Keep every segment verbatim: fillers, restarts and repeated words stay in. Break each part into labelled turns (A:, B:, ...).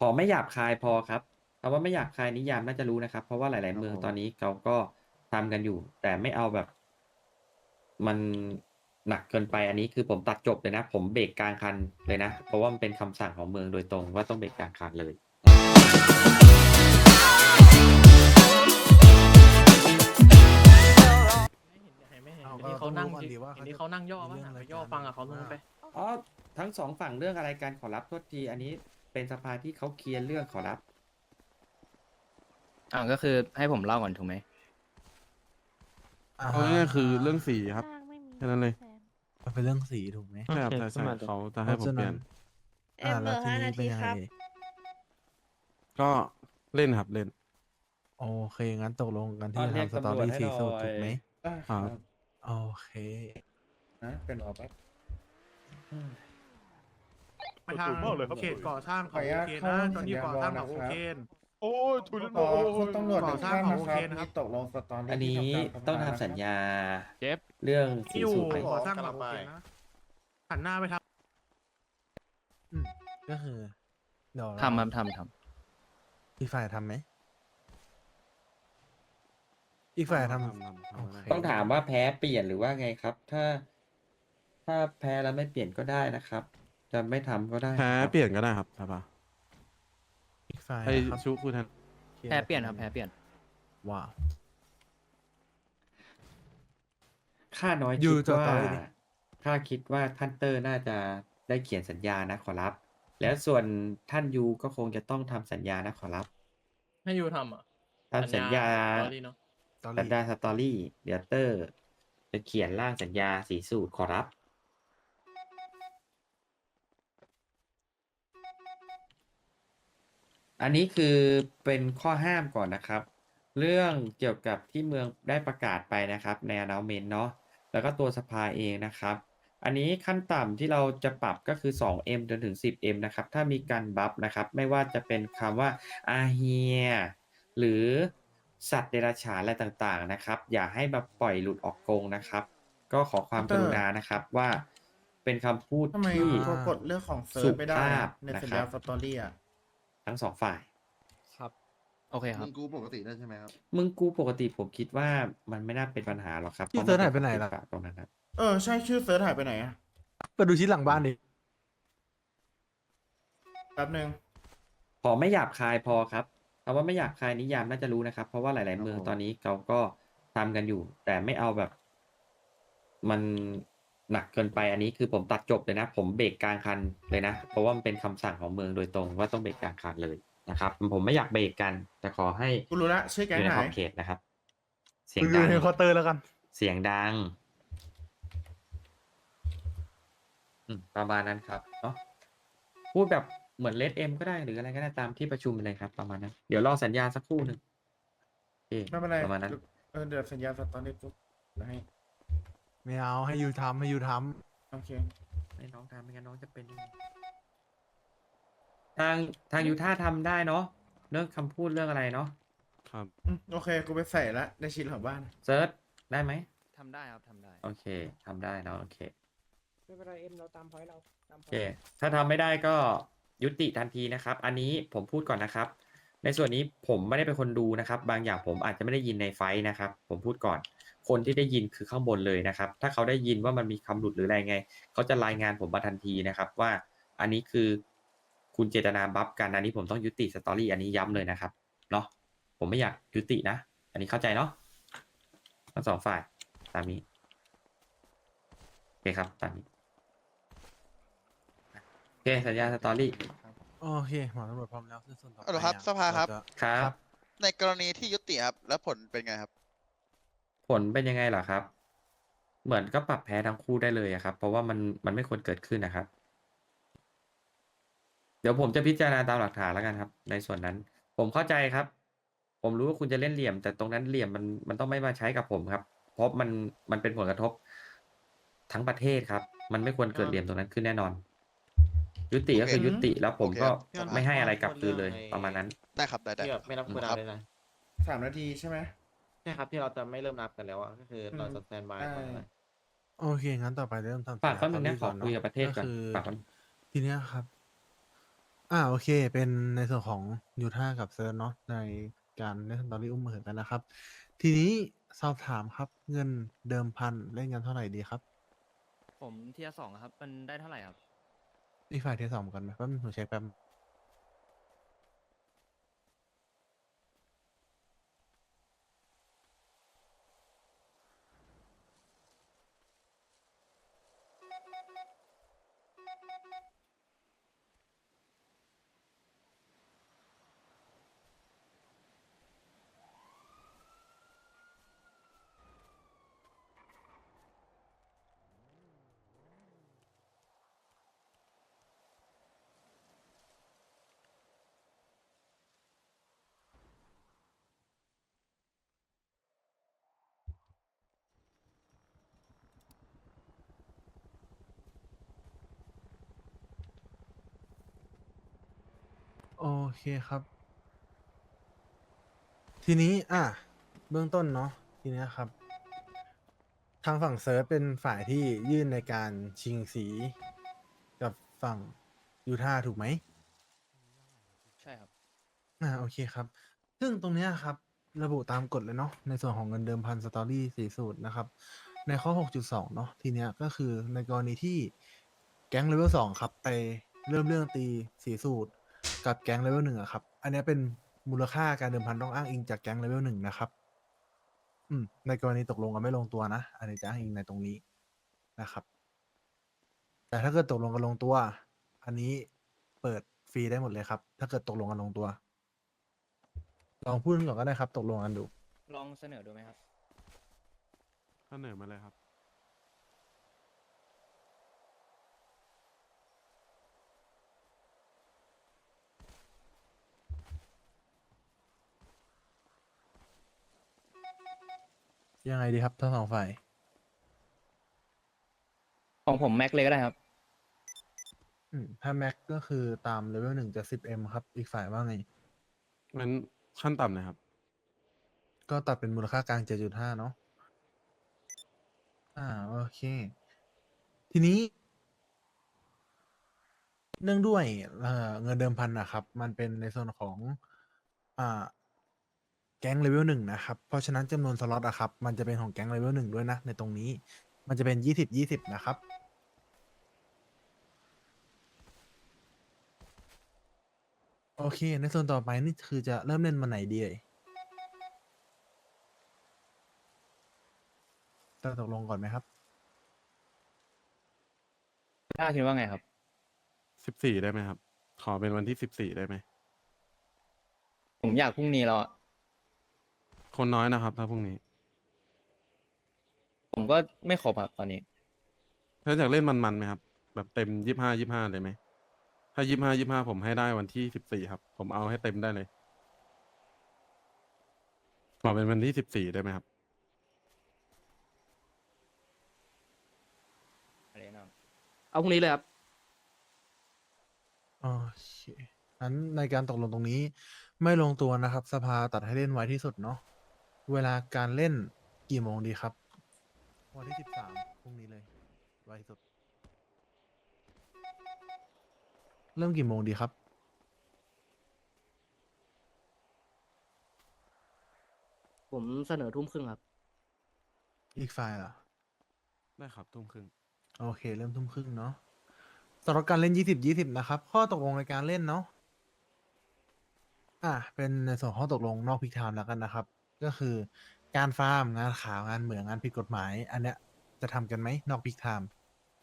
A: ขอไม่หยาบคายพอครับคำว่าไม่หยาบคายนิยามน่าจะรู้นะครับ เพราะว่าหลาย ๆ เมืองตอนนี้เขาก็ทำกันอยู่ แต่ไม่เอาแบบ มันหนักเกินไปอันนี้คือผมตัดจบเลยนะ ผมเบรกกลางคันเลยนะ เพราะว่ามันเป็นคำสั่งของเมืองโดยตรงว่าต้องเบรกกลางคันเลย
B: ไม่เห็น
C: เอา
B: เห็นที่เขา
C: ก็
B: นั่ง
C: ต้องรู้ก่อน
B: ที่
C: ดีว่า
B: เห็น
C: เขา
B: ที่เขานั่งย่อ
C: มี
B: บ้าง
C: เรื่อง
B: อะไปย่อ
C: อะไรกัน
B: ฟังกับเขาลง
C: ว่า
B: ไป
A: อ๋อทั้งสองฝั่งเรื่องอะไรกันขอรับโทษที อันนี้เป็นสภาที่เขาเคลียร์เรื่องขอรับ
D: อ่าก็คือให้ผมเล่าก่อนถูกไหม
C: อ่า
E: เอาง่ายๆคือเรื่องสีครับ
F: สร้างไม่มี
E: แค่นั้นเลย
F: แฟน
C: มันเป็นเรื่องสีถูกไหม
E: ใช่ครับ
B: โอเค
E: ใช่ใช่
B: ขึ้นมาเลย
E: เขาจะให้ผมเปลี่ยน
F: เอ็มเหลือห้านาทีครับ
E: ก็เล่นครับเล่น
C: โอเค งั้นตกลงกัน
A: อ๋
C: ที่
A: อเรียก
C: ทำสตอ
A: ตำรวจ
C: รี่
A: ให้
C: สี
A: หน่อย
C: สูตรถูกไหม
E: ครับ
C: โอเค
A: นะเป็นหรอปั๊บ
G: ไปทางเขตก่อสร้างของโอเคนนะตอนนี้ก่อสร้างของโอเคน
H: โอ้ยทุน
G: ต่อ
H: คุณตำรวจ
G: ก่อสร้างของโอเคนนะครับ
H: ตกลงสตอรี่
A: อันนี้
H: ที่ทำการ
A: ต้องทำสัญญา
D: เจ็บ
A: เรื่องสี
G: ที่อยู่
A: สูตรไหม
G: ก่อสร้างของโอเคนนะหันหน้าไปทาง
C: ก็คือเดี๋ยว
D: ทำครับทำท
C: อีกฝ่ายทำไหม อีกฝ่ายทำ
E: ทำทำทำ
C: โอเค
A: ต้องถามว่าแพ้เปลี่ยนหรือว่าไงครับ ถ้า ถ้าแพ้แล้วไม่เปลี่ยนก็ได้นะครับ จะไม่ทำก็ได้
E: แพ้
A: นะครับ
E: เปลี่ยนก็ได้ครับสภา
C: อีกฝ่าย
E: ให้
C: นะครับ
E: ชุพูดแทน
C: คลีย
D: ำ
C: ร์
D: แพ้เปลี่ยนครับแพ้เปลี่ยน
C: ว้าว
A: ข้าน้อย
C: อยู่
A: คิด
C: ต่อ
A: ว่า
C: ต่อเลยดิ
A: ข้าคิดว่าท่านเตอร์น่าจะได้เขียนสัญญานะขอรับ แล้วส่วนท่านยูก็คงจะต้องทำสัญญานะขอรับ
B: ให้ยูทำอ่ะ
A: ทำสัญญา
B: ตอรี่เนาะ
C: ตอ
A: สัญ
C: รี่
A: ญาสตอรี่เดี๋ยวเตอร์จะเขียนร่างสัญญาสีสูตรขอรับ อันนี้คือเป็นข้อห้ามก่อนนะครับ เรื่องเกี่ยวกับที่เมืองได้ประกาศไปนะครับใน announcement เนาะแล้วก็ตัวสภาเองนะครับ อันนี้ขั้นต่ำที่เราจะปรับก็คือ สองเอ็ม จนถึง สิบเอ็ม นะครับ ถ้ามีการบัฟนะครับ ไม่ว่าจะเป็นคำว่าอาเฮียหรือสัตว์เดรัจฉานอะไรต่างๆนะครับ อย่าให้มาปล่อยหลุดออกกรงนะครับ ก็ขอความกรุณานะครับว่าเป็นคำพูด
H: ทำไม
A: ที่
H: เขากดเรื่องของเซิ
A: สุ
H: ร์ฟไม่ได้
A: ภา
H: อะ
A: พ
H: ใน
A: นะ
H: สัญ
A: ครั
H: ญา
A: บ
H: สตอรี่อ่ะ
A: ทั้งสองฝ่าย
D: ครับ โอเคครับ
I: มึงกูปกติได้ใช่ไหมครับ
A: มึงกูปกติผมคิดว่ามันไม่น่าเป็นปัญหาหรอกครับ
C: พี่เซิร์ชหายไปไหนล่ะ
A: เพราะมันเป็นตรงนั้นครับ
H: เออ ใช่ชื่อเซิร์ฟหายไปไหนอ่ะ
C: ไปดูชิ้นหลังบ้านดิ
H: แป๊บนึง
A: ขอไม่หยาบคายพอครับคำว่าไม่หยาบคายนิยามน่าจะรู้นะครับ เพราะว่าหลาย ๆ เมือง
I: ครับผม
A: ตอนนี้เขาก็ทำกันอยู่ แต่ไม่เอาแบบ มันหนักเกินไปอันนี้คือผมตัดจบเลยนะ ผมเบรกกลางคันเลยนะ เพราะว่ามันเป็นคำสั่งของเมืองโดยตรงว่าต้องเบรกกลางคันเลยนะครับ ผมไม่อยากเบรกกัน แต่ขอให้
H: กูรู้ละชื่อ
A: อ
H: แก๊ง
A: ยู่ใน
H: ไหน
A: ขอบเขตนะครับ เสียง
C: มึงดู
A: ดัง
C: ในเคาน์เตอร์แล้วกัน
A: เสียงดังอืมประมาณนั้นครับเนาะพูดแบบเหมือนเลดเอ็มก็ได้หรืออะไรก็ได้ตามที่ประชุมเลยครับ ประมาณนั้น เดี๋ยวรอสัญญาณสักครู่หนึ่งโอเค
H: ไม่เป็นไร
A: ประมาณนั้น
H: เออเดี๋ยวสัญญาสตอรี่ปุ๊บเดี๋ยวให้
C: ไม่เอาให้ยูทำให้ยูท
H: โอเค
A: ให้น้องทำไม่งั้นน้องจะเป็นยังไงทางทางยูท่าทำได้เนาะเรื่องคำพูดเรื่องอะไรเนาะ
E: ครับ
H: อืมโอเค กูไปใส่ละในชิ้นของบ้าน
A: เซิร์ชได้ไหม
D: ทำได้ครับทำได้
A: โอเคทำได้เนาะโอเค
B: ไม่เป็นไรเอ็มเราตามพอยเราตามพ
A: โอเค ถ้าทำไม่ได้ก็ยุติทันทีนะครับ อันนี้ผมพูดก่อนนะครับ ในส่วนนี้ผมไม่ได้เป็นคนดูนะครับ บางอย่างผมอาจจะไม่ได้ยินในไฟท์นะครับ ผมพูดก่อน คนที่ได้ยินคือข้างบนเลยนะครับ ถ้าเขาได้ยินว่ามันมีคำหลุดหรืออะไรไง เขาจะรายงานผมมาทันทีนะครับ ว่าอันนี้คือคุณเจตนาบัฟกัน อันนี้ผมต้องยุติสตอรี่อันนี้ย้ำเลยนะครับ เนาะ ผมไม่อยากยุตินะ อันนี้เข้าใจเนาะ ทั้งสองฝ่าย ตามนี้ โอเคครับ ตามนี้ โอเค สัญญาสตอรี่
C: ำโอเคหมอตำรวจพร้อมแล้วซึ่งส่วนต่อไป
I: เอาเหรอครับ
C: อะ
I: สภาครับ
C: เจะ
A: ครับ
I: ในกรณีที่ยุติครับ แล้วผลเป็นไงครับ
A: ผลเป็นยังไงเหรอครับ เหมือนก็ปรับแพ้ทั้งคู่ได้เลยอะครับ เพราะว่ามันมันไม่ควรเกิดขึ้นนะครับ เดี๋ยวผมจะพิจารณาตามหลักฐานแล้วกันครับ ในส่วนนั้น ผมเข้าใจครับ ผมรู้ว่าคุณจะเล่นเหลี่ยม แต่ตรงนั้นเหลี่ยมมันมันต้องไม่มาใช้กับผมครับ เพราะมันมันเป็นผลกระทบทั้งประเทศครับ มันไม่ควรเกิดเหลี่ยมตรงนั้นขึ้นแน่นอน ยุติก็คือยุติ แล้วผมก็
I: โอเคครับ
A: ไม่ให้อะไรกลับคืนเลย ประมาณนั้น
I: ได้ครับ ได้ได้
G: ที่แบบไม่นับคูลดาวน์เลยนะ
H: สามนาทีใช่ไหม
G: ใช่ครับที่เราจะไม่เริ่มนับกันแล้วอ่ะก็คือเราจะสแตนบายก่อนนะ
C: โอเค งั้นต่อไปเริ่มทำ
A: ฝากแป๊บนึงนะ
C: สัญญ
A: ขอคุยกับประเทศก่อน
C: คือ
A: ฝากแป๊บนึง
C: ทีเนี้ยครับอ่าโอเค เป็นในส่วนของยูท่ากับเซิร์ชเนาะในการเล่นสตอรี่อุ้มมือกันนะครับ ทีนี้สอบถามครับเงินเดิมพันเล่นกันเท่าไหร่ดีครับ
D: ผมเทียร์สองครับ มันได้เท่าไหร่ครับ
C: อีกฝ่ายเทสสองกันไหมแป๊บนึงผมเช็คแป๊บ โอเคครับ ทีนี้อ่ะเบื้องต้นเนาะทีเนี้ยครับ ทางฝั่งเซิร์ชเป็นฝ่ายที่ยื่นในการชิงสีกับฝั่งยูท่าถูกไหม
D: ใช่ครับ
C: อ่าโอเคครับ ซึ่งตรงเนี้ยครับ ระบุตามกฎเลยเนาะในส่วนของเงินเดิมพันสตอรี่สี่สูตรนะครับ ในข้อ หกจุดสอง เนาะทีเนี้ยก็คือในกรณีที่แก๊งเลเวลสองครับ ไปเริ่มเรื่องตีสีสูตร กับแก๊งเลเวลหนึ่งอะครับ อันเนี้ยเป็นมูลค่าการเดิมพันต้องอ้างอิงจากแก๊งเลเวลหนึ่งนะครับ อืมในกรณีตกลงกันไม่ลงตัวนะ อันนี้จะอ้างอิงในตรงนี้นะครับ แต่ถ้าเกิดตกลงกันลงตัว อันนี้เปิดฟรีได้หมดเลยครับ ถ้าเกิดตกลงกันลงตัว ลองพูดก่อนก็ได้ครับ ตกลงกันดู
D: ลองเสนอดูไหมครับ
E: เสนอมาเลยครับ
C: ยังไงดีครับทั้งสองฝ่าย
D: ของผมแม็กเลยก็ได้ครับ
C: อืมถ้าแม็กก็คือตามเลเวลหนึ่งจะ สิบเอ็ม ครับ อีกฝ่ายว่าไง
E: งั้นขั้นต่ำนะครับ
C: ก็ตัดเป็นมูลค่ากลาง เจ็ดจุดห้า เนาะ อ่า โอเค ทีนี้ เนื่องด้วยเอ่อเงินเดิมพันนะครับ มันเป็นในส่วนของ อ่า แก๊งเลเวลหนึ่งนะครับ เพราะฉะนั้นจำนวนสล็อตอะครับ มันจะเป็นของแก๊งเลเวลหนึ่งด้วยนะ ในตรงนี้ มันจะเป็นยี่สิบ ยี่สิบนะครับ โอเค ในส่วนต่อไปนี่คือจะเริ่มเล่นมาไหนดีเอ่ยจะตกลงก่อนไหมครับ
D: ถ้าคิดว่าไงครับ
E: สิบสี่ได้ไหมครับ ขอเป็นวันที่สิบสี่ได้ไหม
D: ผมอยากพรุ่งนี้แล้วอะ
E: คนน้อยนะครับ ถ้าพรุ่งนี้
D: ผมก็ไม่ครบครับตอนนี้
E: ถ้าอยากเล่นมันๆไหมครับ แบบเต็มยี่ห้ายี่ห้าเลยไหม ถ้ายี่ห้ายี่ห้าผมให้ได้วันที่สิบสี่ครับ ผมเอาให้เต็มได้เลย ขอเป็นวันที่สิบสี่ได้ไหมครับ
D: อะไรนะ
B: เอาพรุ่งนี้เลยครับ
C: โอเคงั้นในการตกลงตรงนี้ ไม่ลงตัวนะครับ สภาตัดให้เล่นไว้ที่สุดเนาะ เวลาการเล่นกี่โมงดีครับ วันที่สิบสามพรุ่งนี้เลย ไวที่สุด เริ่มกี่โมงดีครับ
B: ผมเสนอทุ่มครึ่งครับ
C: อีกฝ่ายล่ะ
E: ได้ครับทุ่มครึ่ง
C: โอเค เริ่มทุ่มครึ่งเนาะสำหรับการเล่นยี่สิบยี่สิบนะครับ ข้อตกลงในการเล่นเนาะ อ่ะ เป็นในส่วนข้อตกลงนอกพิกไทม์แล้วกันนะครับ ก็คือการฟาร์มงานข่าวงานเหมืองงานผิดกฎหมาย อันเนี้ยจะทำกันไหมนอกพิกไทม์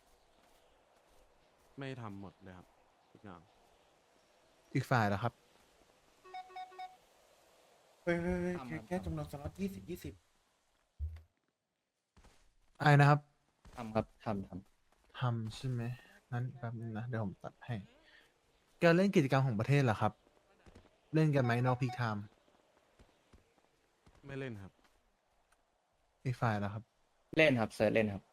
E: ไม่ทำหมดเลยครับทุกอย่าง
C: อีกฝ่ายล่ะครับ
H: เฮ้ยเฮ้ยเฮ้ย
D: ทำ
H: แค่
D: ครับ
H: แค่จำนวนสล็อตยี่สิบยี่สิบ
C: ไอ้นะครับ
D: ทำครับทำท
C: ทำใช่ไหมงั้นแป๊บนึงนะ เดี๋ยวผมตัดให้ การเล่นกิจกรรมของประเทศล่ะครับ เล่นกันไหมนอกพิกไทม์
E: ไม่เล่นครับ
C: อีกฝ่ายล่ะครับ
D: ำเล่นครับเซิร์ชเล่นครับ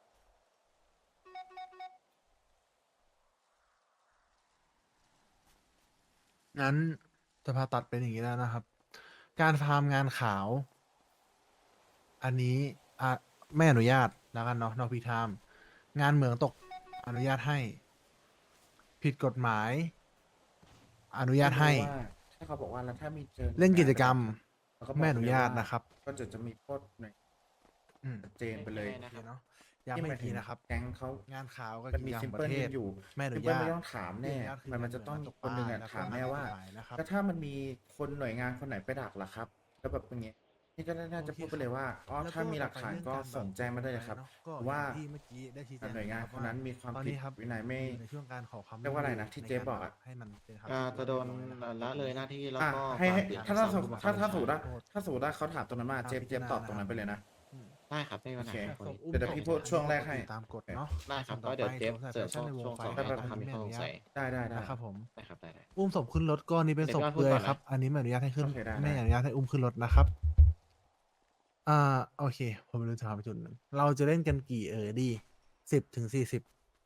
C: งั้นจะพาตัดเป็นอย่างนี้แล้วนะครับ การฟาร์มงานขาว อันนี้อ่ะไม่อนุญาตแล้วกันเนาะนอกพิกไทม์งานเหมืองตกอนุญาตให้ ผิดกฎหมายอนุญาตให้
H: ว่าถ้าเขาบอกว่าแล้วถ้ามีเจอ
C: เล่นกิจกรรม
H: แล้วก็บก
C: ไม่อนุญาต
H: เลยว่
C: นะครับ
H: ก็จะจะมีโทษหน่อย
C: อืม
H: ชัดเจนไปเลย
C: โอเคเนาะย้ำไม่ทีนะครับ
H: แก๊งเขา
C: งานข่าวก็
H: มันมี
C: กิจกรร
H: ซิม
C: ป
H: เปิล
C: ระเทศ
H: อยู่
C: ไม่อนุ
H: ซิมเปิล
C: ญาต
H: ไม่ต้องถามแน่
C: ไม่อนุญาตคือ
H: มันมันจะต้อง
C: ตก
H: คนหนึ่งอะ
C: แล้วก็
H: ถามแน่ว่า
C: กฎหมายนะครับ
H: ก็ถ้ามันมีคนหน่วยงานคนไหนไปดักล่ะครับแล้วแบบอย่างเงี้ยนี่ก็น่าจะพูดไปเลยว่าอ๋อ
C: แล้ว
H: ถ้ามีหลักฐานก็
C: ต่อไปเรื่องาร
H: ส่งแจ้งมาได้เลยครับ
C: ก็
H: ว่า
C: อย่งที่เมื่อกี้ได้ชี้แจง
H: หน่วยงาน
C: ะรับ
H: คนนั้นมีความ
C: ตอน
H: ผิด
C: นี้ครับ
H: วินัยไม่
C: อยู่ในช่วงการขอความ
H: เรียกว่าอะไรนะที่
C: ใน
H: เจ๊บอกอะ
C: ให้มันเป็นครับ
J: อ่าจะโดนละเลยหน้าที่แล้ว
H: อ่ะ
J: ก็
H: ให้ให้
J: ปรับ
H: ถ้าถ้า
J: ส
H: ส
J: ม
H: ม
J: ผู้บังคั
H: ถ้า
J: บ
H: ถ้า
J: บัญ
H: สมมติว่า
J: ช
H: ถ้าสมมติว่าเขาถามตรงนั้นมาเจฟเจฟตอบตรงนั้นไปเลยนะ
C: อืม
J: ได้ครับไม่มีปัญหา
H: โอเค
J: ครับ
C: ส่งอุ้ม
H: เดี๋ยวเดี๋ยวพี่พูดช่วงแรกให้
C: ตามกฎเนาะ
J: ได้ครับ
C: ส่วน
J: ก็เดี๋ยวเจฟ
C: ต่อไป
J: เสิร์ช
C: สมมุติ
J: ช่วง
C: ใส่
J: ช่วง
C: แฟ
J: สอง
C: ชั่นในวง
J: ให้
C: ไฟ
J: ทำให้ข้อสงสัย
H: ได้ได้ได้
C: นะครับผม
J: ได้ครับได้ได้
C: อุ้มศพขึ้นรถก็นี่เป็นศพ
J: เดี๋ยว
C: เปลือย
J: พูดก่อนนะ
C: ครับ อันนี้ไม่อนุญาตให้ขึ้น
H: โอเคได้
C: ไม่
H: ได้
C: อนุญาตให้อุ้มขึ้นรถนะครับ อ่าโอเค ผมรู้จะพาไปจุดหนึ่งเราจะเล่นกันกี่เออดีสิบถึงสี่สิบ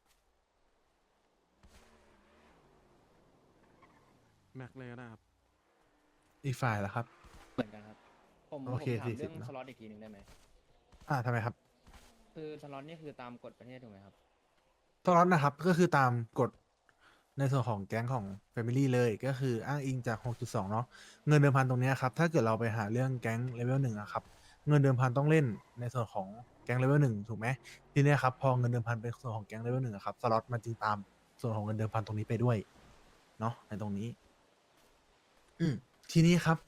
E: แม็กเลยก็ได้ครับ
C: อีกฝ่ายละครับ
D: เหมือนกันครับ ผม
C: โอ
D: ผม
C: เค
D: ถาม
C: สี่สิ
D: เรื่
C: บ
D: อง
C: เนอะ
D: สล็อตอีกทีหนึ่งได้ไหม
C: อ่าทำไมครับ
D: คือสล็อตนี่คือตามกฎประเทศถูกไหมครับ
C: สล็อตนะครับก็คือตามกฎในส่วนของแก๊งของ Family เลยก็คืออ้างอิงจาก หกจุดสอง เนาะเงินเดิมพันตรงเนี้ยครับ ถ้าเกิดเราไปหาเรื่องแก๊งเลเวลหนึ่งอะครับ เงินเดิมพันต้องเล่นในส่วนของแก๊งเลเวลหนึ่งถูกไหมทีเนี้ยครับพอเงินเดิมพันเป็นส่วนของแก๊งเลเวลหนึ่งอะครับสล็อตมันจึงตามส่วนของเงินเดิมพันตรงนี้ไปด้วยเนาะในตรงนี้ อืมทีนี้ครับ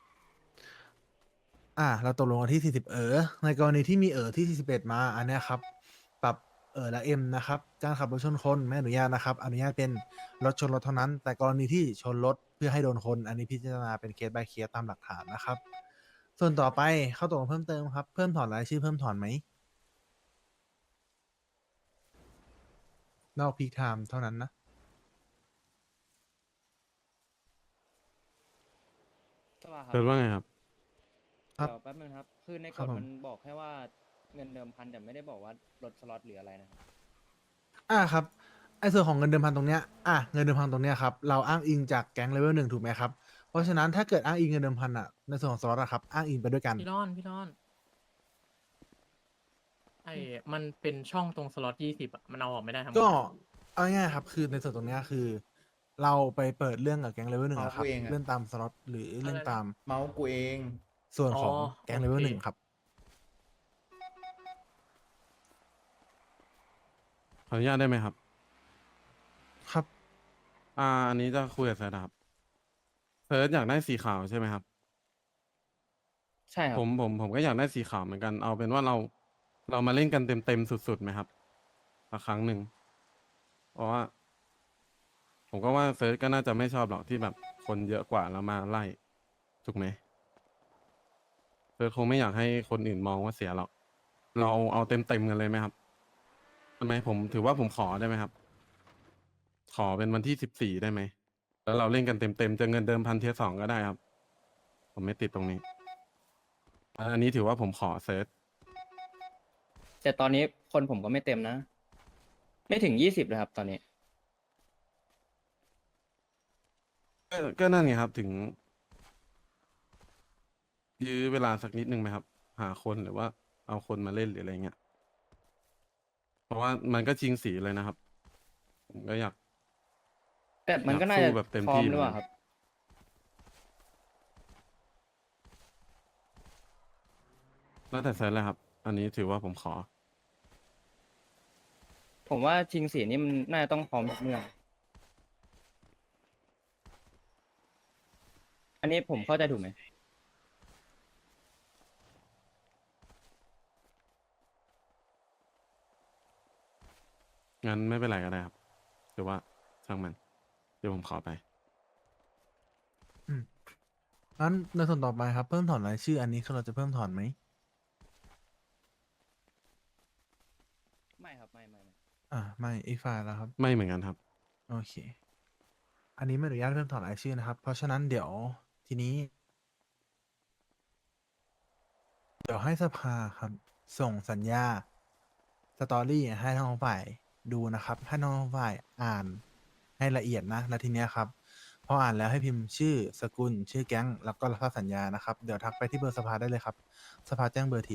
C: อ่า เราตกลงกันที่สี่สิบเออในกรณีที่มีเออที่สี่สิบเอ็ดมา อันเนี้ยครับ ปรับเออละเอ็มนะครับ การขับรถชนคนไม่อนุญาตนะครับ อนุญาตเป็นรถชนรถเท่านั้น แต่กรณีที่ชนรถเพื่อให้โดนคน อันนี้พิจารณาเป็นเคส by เคสตามหลักฐานนะครับ ส่วนต่อไปเข้าตกลงเพิ่มเติมครับ เพิ่มถอนรายชื่อเพิ่มถอนไหม นอกพีคไทม์เท่านั้นนะ
D: สวัสดีครั
E: เกิดว่าไงครับ
C: ครับ
D: เดี๋ยวแป๊บนึงครับ คือใน
C: ค
D: ก
C: รับ
D: ฎ
C: ผม
D: มันบอกแค่ว่าเงินเดิมพันแต่ไม่ได้บอกว่าลดสล็อตหรืออะไรนะครับ
C: อ่าครับไอ้ส่วนของเงินเดิมพันตรงเนี้ยอ่ะเงินเดิมพันตรงเนี้ยครับเราอ้างอิงจากแก๊งเลเวลหนึ่งถูกไหมครับ เพราะฉะนั้นถ้าเกิดอ้างอิงเงินเดิมพันอ่ะในส่วนของสล็อตอะครับอ้างอิงไปด้วยกัน
K: พี่รอนพี่รอนไอ้มันเป็นช่องตรงสล็อตยี่สิบอะมันเอาออกไม่ได้ทั้งหมด
C: ก็เอาง่ายๆครับคือในส่วนตรงเนี้ยคือ เราไปเปิดเรื่องกับแก๊งเลเวลหนึ่งอะครับ
H: เอากูเองอะ
C: เรื่องตามสล็อตหรือเรื่องตาม
H: เมาส์กูเอง
C: ส่วนของแก๊งเลเวลหนึ่งครับ
E: ขออนุญาตได้ไหมครับ
C: ครับ
E: อ่า อันนี้จะคุยกับเซิร์ชนะครับเซิร์ชอยากได้สีขาวใช่ไหมครับ
D: ใช่ครับ
E: ผมผมผมก็อยากได้สีขาวเหมือนกัน เอาเป็นว่าเราเรามาเล่นกันเต็มเต็มสุดๆไหมครับสักครั้งหนึ่ง เพราะว่า ผมก็ว่าเซิร์ชก็น่าจะไม่ชอบหรอกที่แบบคนเยอะกว่าแล้วมาไล่ถูกไหมเซิร์ชคงไม่อยากให้คนอื่นมองว่าเสียหรอก เราเอาเต็มเต็มๆกันเลยไหมครับทำไมผมถือว่าผมขอได้ไหมครับ ขอเป็นวันที่สิบสี่ได้ไหม แล้วเราเล่นกันเต็มเต็มๆจะเงินเดิมพันเทียร์สองก็ได้ครับ ผมไม่ติดตรงนี้ อันนี้ถือว่าผมขอเซิร์ช
D: แต่ตอนนี้คนผมก็ไม่เต็มนะ ไม่ถึงยี่สิบเลยครับ ตอนนี้
E: ก็ก็นั่นไงครับ ถึง ยื้อเวลาสักนิดนึงไหมครับ หาคนหรือว่าเอาคนมาเล่นหรืออะไรเงี้ย เพราะว่ามันก็ชิงสีเลยนะครับ ผมก็อยาก
D: แต่มันก็น่า
E: อยาก
D: จะ
E: สู้แบบเต็ม
D: พร้อ
E: ที่
D: มหรือเปล่า
E: เหมือนกัน
D: ครับ
E: แล้วแต่เซิร์ชเลยครับ อันนี้ถือว่าผมขอ
D: ผมว่าชิงสีนี่มันน่าจะต้องพร้อมทุกเมื่อ อันนี้ผมเข้าใจถูกไหม
E: งั้นไม่เป็นไรก็ได้ครับหรือว่าช่างมัน เดี๋ยวผมขอไป
C: อืมงั้นในส่วนต่อไปครับ เพิ่มถอนรายชื่อ อันนี้คือเราจะเพิ่มถอนไหม
D: ไม่ครับ ไม่ไม่ไม่
C: อ่าไม่อีกฝ่ายแล้วครับ
E: ไม่เหมือนกันครับ
C: โอเค อันนี้ไม่อนุญาตเพิ่มถอนรายชื่อนะครับ เพราะฉะนั้นเดี๋ยวทีนี้ เดี๋ยวให้สภาครับ ส่งสัญญาสตอรี่ให้ทั้งสองฝ่ายดูนะครับ ให้ทั้งสองฝ่ายอ่านให้ละเอียดนะแล้วทีเนี้ยครับ พออ่านแล้วให้พิมพ์ชื่อสกุล ชื่อแก๊ง แล้วก็รับทราบสัญญานะครับ เดี๋ยวทักไปที่เบอร์สภาได้เลยครับ สภาแจ้งเบอร์ที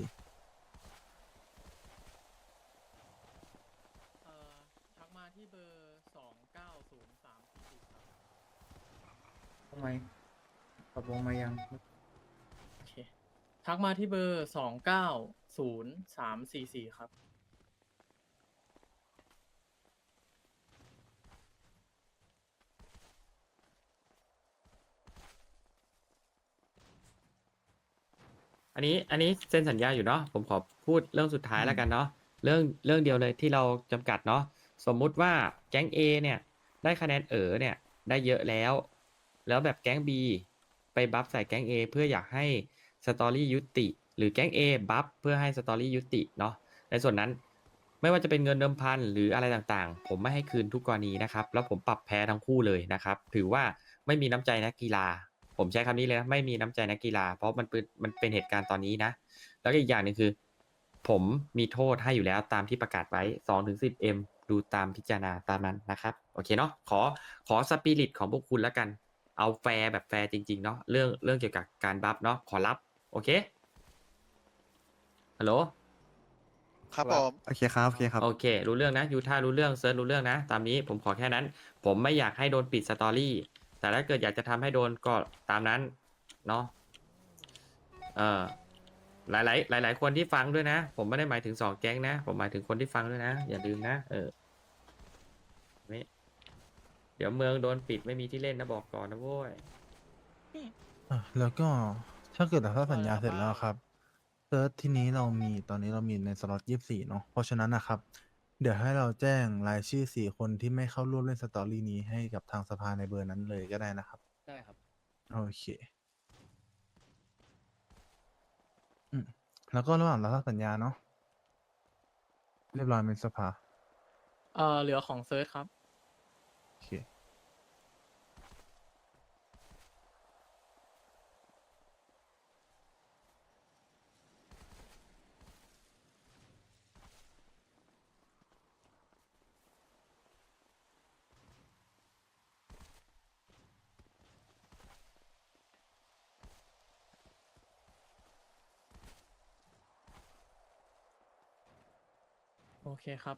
K: เอ่อทักมาที่เบอร์สองเก้าศูนย์สามสี่สี่สาม
H: งไหมปรับวงมายัง
K: โอเค ทักมาที่เบอร์สองเก้าศูนย์สามสี่สี่ครับ
A: อันนี้อันนี้เซ็นสัญญาอยู่เนาะผมขอพูดเรื่องสุดท้ายแล้วกันเนาะเรื่องเรื่องเดียวเลยที่เราจำกัดเนาะสมมุติว่าแก๊ง A เนี่ยได้คะแนนเอ๋อเนี่ยได้เยอะแล้ว แล้วแบบแก๊ง B ไปบัฟใส่แก๊ง A เพื่ออยากให้สตอรี่ยุติ หรือแก๊ง A บัฟเพื่อให้สตอรี่ยุติเนาะในส่วนนั้นไม่ว่าจะเป็นเงินเดิมพันหรืออะไรต่างๆ ผมไม่ให้คืนทุกกรณีนะครับแล้วผมปรับแพ้ทั้งคู่เลยนะครับถือว่าไม่มีน้ำใจนักกีฬา ผมใช้คำนี้เลยนะไม่มีน้ำใจนักกีฬา เพราะมันเป็นมันเป็นเหตุการณ์ตอนนี้นะ แล้วก็อีกอย่างหนึ่งคือ ผมมีโทษให้อยู่แล้วตามที่ประกาศไว้สองถึงสิบเอ็มดูตามพิจารณาตามนั้นนะครับ โอเคเนาะขอขอสปิริตของพวกคุณแล้วกัน เอาแฟร์แบบแฟร์จริงๆเนาะเรื่องเรื่องเกี่ยวกับการบัฟเนาะขอรับ โอเคฮัลโหล
I: ครับผม
J: โอเคครับ โอเคครับ
A: โอเค รู้เรื่องนะยูท่ารู้เรื่องเซิร์ชรู้เรื่องนะ ตามนี้ผมขอแค่นั้น ผมไม่อยากให้โดนปิดสตอรี่แต่ถ้าเกิดอยากจะทำให้โดนก็ตามนั้นเนาะเออหลาย ๆ หลาย ๆ คนที่ฟังด้วยนะ ผมไม่ได้หมายถึงสองแก๊งนะ ผมหมายถึงคนที่ฟังด้วยนะ อย่าลืมนะ เออไม่เดี๋ยวเมืองโดนปิดไม่มีที่เล่นนะบอกก่อนนะโว้ย
C: อ่ะแล้วก็ถ้าเกิดถ้าสัญญาเสร็จแล้วครับเซิร์ชที่นี้เรามีตอนนี้เรามีในสล็อตยี่สิบสี่เนาะเพราะฉะนั้นนะครับ เดี๋ยวให้เราแจ้งรายชื่อสี่คนที่ไม่เข้าร่วมเล่นสตอรี่นี้ให้กับทางสภาในเบอร์นั้นเลยก็ได้นะครับ
D: ได้ครับ
C: โอเคอืมแล้วก็ระหว่างเราสัญญาเนาะเรียบร้อยเป็นสภา
K: เออเหลือของเซิร์ชครับ
C: โอเค
K: โอเคครับ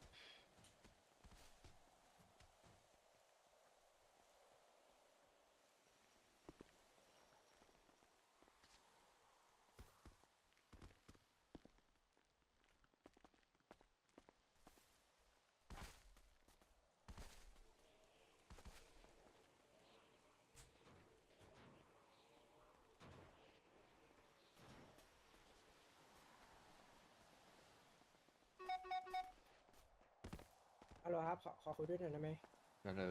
J: ฮัลโหลครับ ขอขอคุยด้วยหน่อยได้ไหม
I: ก็เลย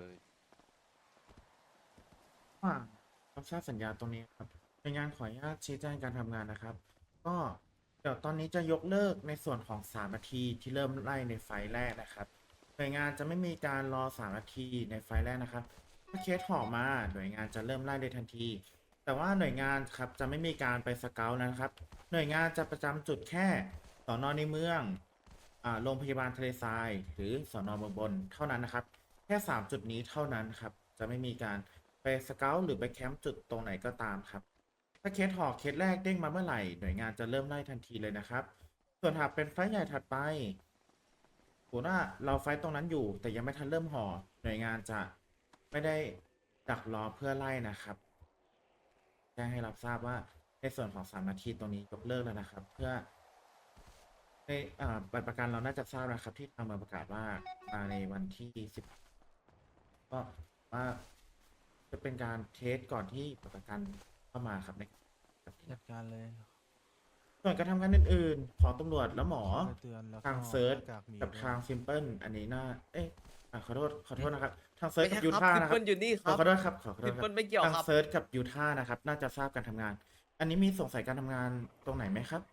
H: ว่ารับทราบสัญญาตรงนี้ครับในงานขออนุญาตชี้แจงการทำงานนะครับ ก็เดี๋ยวตอนนี้จะยกเลิกในส่วนของสามนาทีที่เริ่มไล่ในไฟล์แรกนะครับหน่วยงานจะไม่มีการรอสามนาทีในไฟล์แรกนะครับถ้าเคสห่อมาหน่วยงานจะเริ่มไล่ในทันที แต่ว่าหน่วยงานครับจะไม่มีการไปสเกลนะครับ หน่วยงานจะประจำจุดแค่สอนอในเมืองอ่าโรงพยาบาลทะเลทราย หรือสอนอเมืองบนเท่านั้นนะครับ แค่สามจุดนี้เท่านั้นครับจะไม่มีการไปสเกลหรือไปแคมป์จุดตรงไหนก็ตามครับ ถ้าเคสหอกเคสแรกเด้งมาเมื่อไหร่หน่วยงานจะเริ่มไล่ทันทีเลยนะครับ ส่วนหากเป็นไฟล์ใหญ่ถัดไปสมมุติว่าเราไฟล์ตรงนั้นอยู่ แต่ยังไม่ทันเริ่มห่อหน่วยงานจะไม่ได้ดักรอเพื่อไล่นะครับแจ้งให้รับทราบว่าในส่วนของสามนาทีตรงนี้ยกเลิกแล้วนะครับ เพื่อในอ่าบัตรประกันเราน่าจะทราบนะครับ ที่ทางเมืองประกาศว่ามาในวันที่สิบก็ว่าจะเป็นการเทสก่อนที่บัตรประกันเข้ามาครับใน
C: จัดการเลย
H: ส่วนการทำงานอื่นๆของตำรวจและหมอ
C: ไปเตือนแล้วก็
H: ทางเซิร์ช
C: หน้ากากหมี
H: กับ
C: ด้วย
H: ทางซิมเพิลอันนี้น่าเอ๊ะอ่ะขอโทษขอโทษนะครับ ทางเซิร์ชกับยู
J: ไม่ใช่
H: ท่า
J: ครับ
H: นะครับ
J: ซิมเพิลอยู่นี่ครับ
H: ขอโทษครับขอโทษ
J: ซิม
H: ค
J: เพิ
H: รับ
J: ลไม่เกี่ยว
H: ทาง
J: ครับ
H: เซิร์ชกับยูท่านะครับ น่าจะทราบการทำงาน อันนี้มีสงสัยการทำงานตรงไหนไหมครับ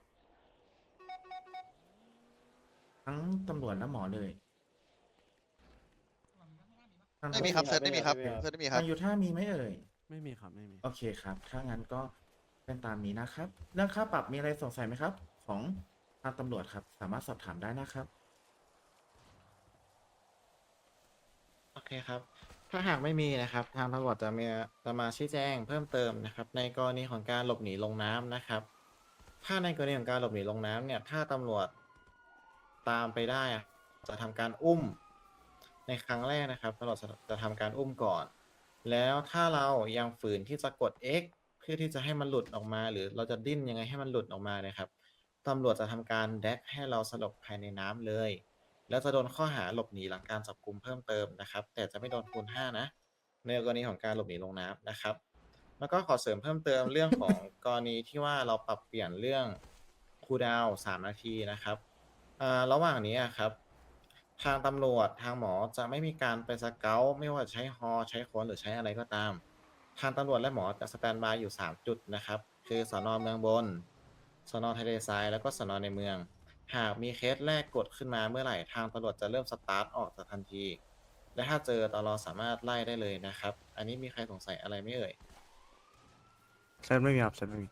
H: ทั้งตำรวจและหมอเลยทาง
I: ไม่มีครับเซิร์ชไม่มีครับเซิร์ชไม่มีครั
H: ทา
I: บ
H: งยูท่ามีไหมเอ่ย
E: ไม่มีครับ ไม่มี
H: โอเคครับ ถ้างั้นก็เป็นตามนี้นะครับ เรื่องค่าปรับมีอะไรสงสัยไหมครับ ของทางตำรวจครับ สามารถสอบถามได้นะครับ
J: โอเคครับ ถ้าหากไม่มีนะครับ ทางตำรวจจะมีจะมาชี้แจงเพิ่มเติมนะครับ ในกรณีของการหลบหนีลงน้ำนะครับ ถ้าในกรณีของการหลบหนีลงน้ำเนี่ย ถ้าตำรวจตามไปได้อะจะทำการอุ้ม ในครั้งแรกนะครับตำรวจจะจะทำการอุ้มก่อนแล้วถ้าเรายังฝืนที่จะกด X เพื่อที่จะให้มันหลุดออกมา หรือเราจะดิ้นยังไงให้มันหลุดออกมาเนะครับตำรวจจะทำการแดกให้เราสลบภายในน้ำเลย แล้วจะโดนข้อหาหลบหนีหลังการจับกุมเพิ่มเติมนะครับ แต่จะไม่โดนคูณห้านะ ในกรณีของการหลบหนีลงน้ำนะครับ แล้วก็ขอเสริมเพิ่มเติมเรื่องของ กรณีที่ว่าเราปรับเปลี่ยนเรื่องคูลดาวน์สามนาทีนะครับอ่าระหว่างนี้อะครับ ทางตำรวจทางหมอจะไม่มีการไปสเกาต์ไม่ว่าจะใช้ฮอใช้ค้นหรือใช้อะไรก็ตาม ทางตำรวจและหมอจะสแตนบายอยู่สามจุดนะครับ คือสนเมืองบนสนทะเลทรายแล้วก็สนในเมือง หากมีเคสแรกกดขึ้นมาเมื่อไหร่ทางตำรวจจะเริ่มสตาร์ทออกจากทันที และถ้าเจอตลอสามารถไล่ได้เลยนะครับ อันนี้มีใครสงสัยอะไรไหม่เอ่ย
E: เซตไม่มีครับเซตไม่มี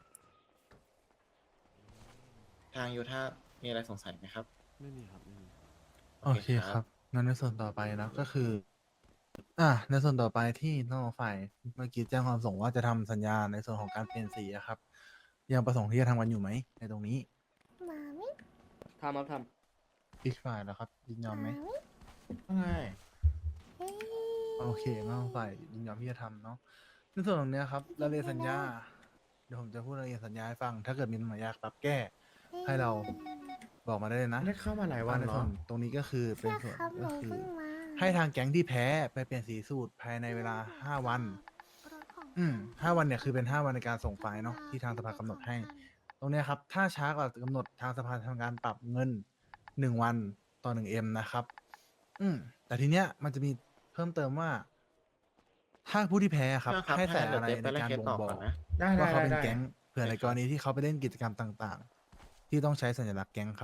J: ทางยูท่ามีอะไรสงสัยไหมครับ
E: ไม่มีครับไม่มี
C: โอเคครับงั้นในส่วนต่อไปนะก็คือ อ่ะในส่วนต่อไปที่น้องฝ่ายเมื่อกี้แจ้งความประสงค์ว่าจะทำสัญญาในส่วนของการเปลี่ยนสีอะครับ ยังประสงค์ที่จะทำกันอยู่ไหมในตรงนี้
F: มามิ
B: ทำครับท
C: อีกฝ่ายนะครับยินยอมไหม
J: ว่าไง
F: เฮ้ย
C: โอเคน้องฝ่ายยินยอมที่จะทำเนาะในส่วนตรงเนี้ยครับรายละเอียดสัญญาเดี๋ยวผมจะพูดรายละเอียดสัญญาให้ฟัง ถ้าเกิดมีปัญหาอยากปรับแก้ ให้เราบอกมาได้เลยนะ
H: ได้เข้ามาหลายวัน
C: ในส่
H: เนาะ
C: ตรงนี้ก็คือเป็น
F: ใช่
C: ส่วน
F: ครับห
C: ก็
F: นู
C: คือ
F: เพิ่งมา
C: ให้ทางแก๊งที่แพ้ไปเปลี่ยนสีสูตรภายในเวลาห้าวัน
F: รถของ
C: อืมห้าวันเนี่ยคือเป็นห้าวันในการส่งไฟล์เนาะที่ทางสภากำหนดให้ ตรงเนี้ยครับ ถ้าช้ากว่ากำหนดทางสภาทำการปรับเงินหนึ่งวันต่อหนึ่งเอ็มนะครับ อืม แต่ทีเนี้ยมันจะมีเพิ่มเติมว่า ถ้าผู้ที่แพ้ครับ
J: ครับ
C: ให้ใส่
J: ให้
C: อะไร
J: เดี๋ยว
C: ใน
J: เดี๋ยว
C: การ
J: ไปไล่เคส
C: บ่ง
J: ต่อ
C: บอก
J: ก่อนนะ
H: ได้ได้
C: ว่าเขา
H: ได้
C: เป็น
H: ได้
C: แก๊งเผื่อในกรณีที่เขาไปเล่นกิจกรรมต่าง ๆ ที่ต้องใช้สัญลักษณ์แก๊งครับ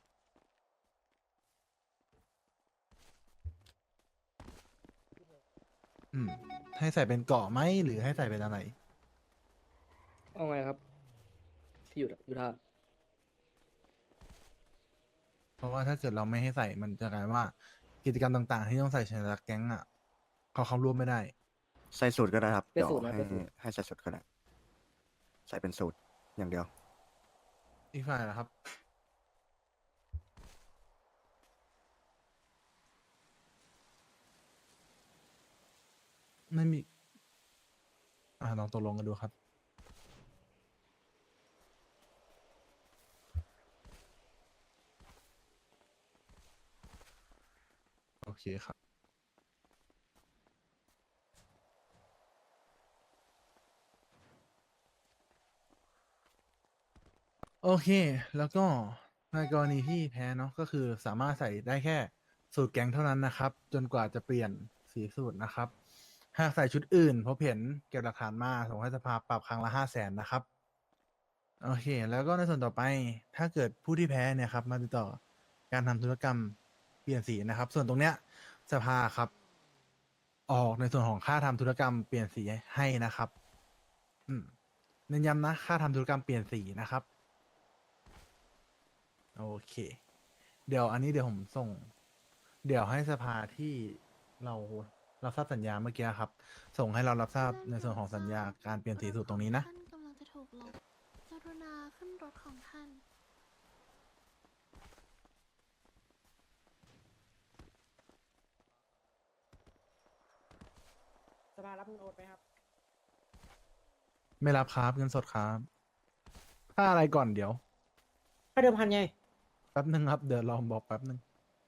C: อืม ให้ใส่เป็นเกาะไหมหรือให้ใส่เป็นอะไร
B: ำเอาไงครับ ที่อยู่ยูท่า
C: เพราะว่าถ้าเกิดเราไม่ให้ใส่มันจะกลายว่ากิจกรรมต่างๆ ที่ต้องใส่สัญลักษณ์แก๊งอ่ะเขาเข้าร่วมไม่ได้
E: ใส่สูตรก็ได้ครับ
B: เป็น
E: เดี๋ยว
B: สูตรนะ
E: ให้
B: เป็นสูตร
E: ให้ใส่สูตรก็ได้ใส่เป็นสูตรอย่างเดียว
C: อีกฝ่ายนะครับ ไม่มี อ่าลองตกลงกันดูครับ โอเคครับ โอเค แล้วก็ในกรณีที่แพ้เนาะก็คือสามารถใส่ได้แค่สูตรแก๊งเท่านั้นนะครับ จนกว่าจะเปลี่ยนสีสูตรนะครับ หากใส่ชุดอื่นพบเห็นเก็บหลักฐานมาส่งให้สภาปรับครั้งละห้าแสนนะครับ โอเค แล้วก็ในส่วนต่อไป ถ้าเกิดผู้ที่แพ้เนี่ยครับมาติดต่อการทำธุรกรรมเปลี่ยนสีนะครับ ส่วนตรงเนี้ยสภาครับ ออกในส่วนของค่าทำธุรกรรมเปลี่ยนสีให้นะครับ อืมเน้นย้ำนะค่าทำธุรกรรมเปลี่ยนสีนะครับ โอเค เดี๋ยวอันนี้เดี๋ยวผมส่ง เดี๋ยวให้สภาที่เรารับทราบสัญญาเมื่อกี้ครับ ส่งให้เรารับทราบในส่วนของสัญญาการเปลี่ยนสีสูตรตรงนี้นะ
F: ท่านกำลังจะถูกลบกรุณาขึ้นรถของท่าน
B: สภารับเงินโอนไปครับ
C: ไม่รับครับเงินสดครับค่าอะไรก่อนเดี๋ยว
B: ค่าเดิมพันไง
C: แป๊บหนึ่งครับ เดี๋ยวลองบอกแป๊บหนึ่ง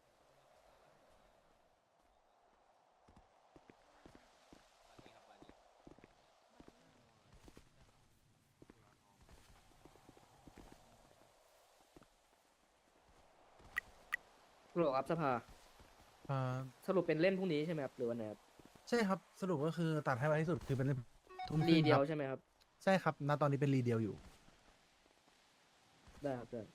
B: หรอครับสภา
C: อ่า
B: สรุปเป็นเล่นพรุ่งนี้ใช่ไหมครับ หรือวันไหนครับ
C: ใช่ครับ สรุปก็คือตัดให้ไวที่สุดคือเป็นทุ่มค
B: รี
C: รึ่ง
B: เดี
C: ค
B: ยว
C: รับ
B: ใช่ไหมครับ
C: ใช่ครับ ณ ตอนนี้เป็นรีเดียวอยู่
B: ได้ครับได้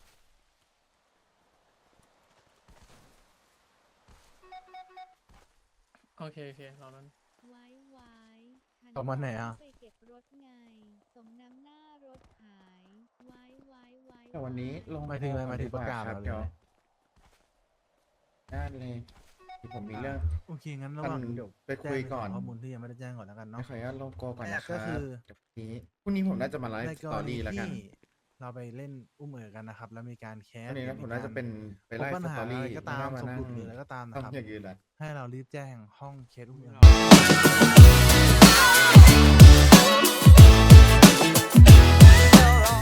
K: โอเคโอเคเรานั้น
F: ไว้ไว้
C: ประมาณไหนอะ
F: ไปเก็บรถไง สมน้ำหน้ารถหาย ไว้ไว้ไว้
H: แต่วันนี้ลง
C: หมายถึงอะไรหมายถึง
H: ดีว่
C: ประกาศ
H: ครับ
C: เหรอ
H: เดี๋ยวได้เลยที่ผมมีเรื่อง
C: โอเค งั้นระหว่าง
H: ท่าน
C: เดี๋ยว
H: ไปคุยก่อน
C: แจ้งใส่ข้อมูลที่ยังไม่ได้แจ้งก่อนแล้วกัน
H: ไม่
C: เนาะ
H: ขออนุญาตลงโกก่อนนะค
C: ก็
H: รับ
C: คือ
H: เดี๋ยวพรุ่งนี้พรุ่งนี้ผมน่าจะมาไล
C: ใน
H: ฟ์
C: ก
H: ส
C: ร
H: ตอ
C: ณี
H: รี่แล้วกัน
C: ที่เราไปเล่นอุ้มเอ๋อกันนะครับ แล้วมีการแคส
H: อันนี้นะ
C: ห
H: ผ
C: รือ
H: มน่าจะเป็นไป
C: พบ
H: ไล่
C: ปัญ
H: ส
C: หา
H: ตอ
C: อะไร
H: รี่
C: ก็ตาม
H: ไ
C: สมมุติหรืออะไรก็ตามนะครับ
H: ทำอย่างอื่นแหละ
C: ให้เรารีบแจ้งห้องเคสอุ้มเอ๋อ